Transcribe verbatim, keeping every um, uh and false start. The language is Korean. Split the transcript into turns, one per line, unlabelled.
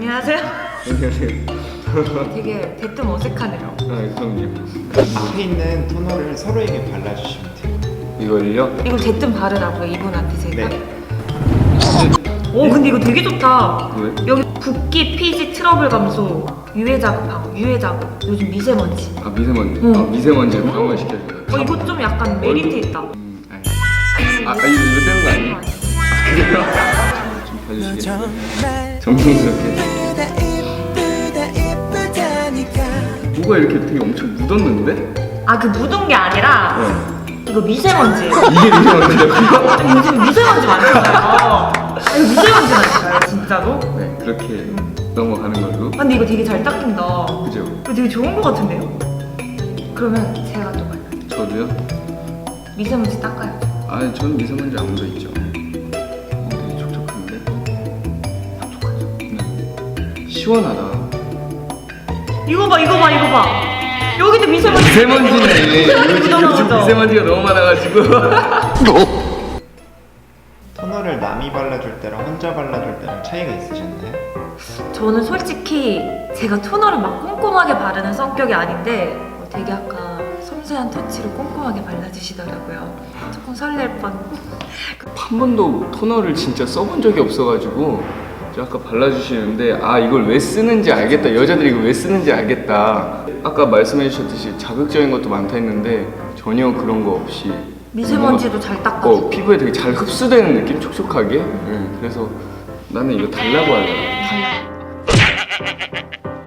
안녕하세요.
안녕하세요.
되게 대뜸 어색하네요.
아, 그럼요.
앞에 있는 토너를 서로에게 발라주시면 돼요.
이걸요?
이걸 대뜸 바르라고요, 이분한테 제가?
네.
오, 근데 이거 되게 좋다.
왜?
여기 붓기, 피지, 트러블 감소, 유해 자극하고 유해 자극, 요즘 미세먼지.
아, 미세먼지.
응.
아, 미세먼지를 강화 시켜줘요.
어, 이거 좀 약간 메리트 있다.
음, 아니. 아, 아, 이거 이거 되는 거 아니에요? 그래요? 좀 봐주시겠어요? 정성스럽게. 뭐가 이렇게 되게 엄청 묻었는데?
아, 그 묻은 게 아니라
네.
이거 미세먼지예요.
이게 미세먼지라고요?
요즘 미세먼지 많잖아요. 아, 이거 미세먼지 많잖아요, 진짜로?
네, 그렇게 넘어가는 걸로.
아, 근데 이거 되게 잘 닦인다.
그죠?
이거 되게 좋은 거 같은데요? 그러면 제가 또 봐요.
저도요?
미세먼지 닦아요.
아, 저는 미세먼지 안 묻어 있죠. 어, 되게 촉촉한데? 촉촉하죠? 네. 시원하다.
이거 봐, 이거 봐, 이거 봐. 여기도 미세먼지.
미세먼지네.
여기
요즘, 요즘
묻어나오죠?
미세먼지가 너무 많아가지고.
토너를 남이 발라줄 때랑 혼자 발라줄 때랑 차이가 있으셨나요?
저는 솔직히 제가 토너를 막 꼼꼼하게 바르는 성격이 아닌데 어, 되게 아까 섬세한 터치로 꼼꼼하게 발라주시더라고요. 조금 설렐 뻔.
한 번도 토너를 진짜 써본 적이 없어가지고 저 아까 발라주시는데 아 이걸 왜 쓰는지 알겠다, 여자들이 이거 왜 쓰는지 알겠다. 아까 말씀해 주셨듯이 자극적인 것도 많다 했는데 전혀 그런 거 없이
미세먼지도 잘 닦아주고.
어, 피부에 되게 잘 흡수되는 느낌, 촉촉하게. 네, 그래서 나는 이거 달라고 하려고.
달라.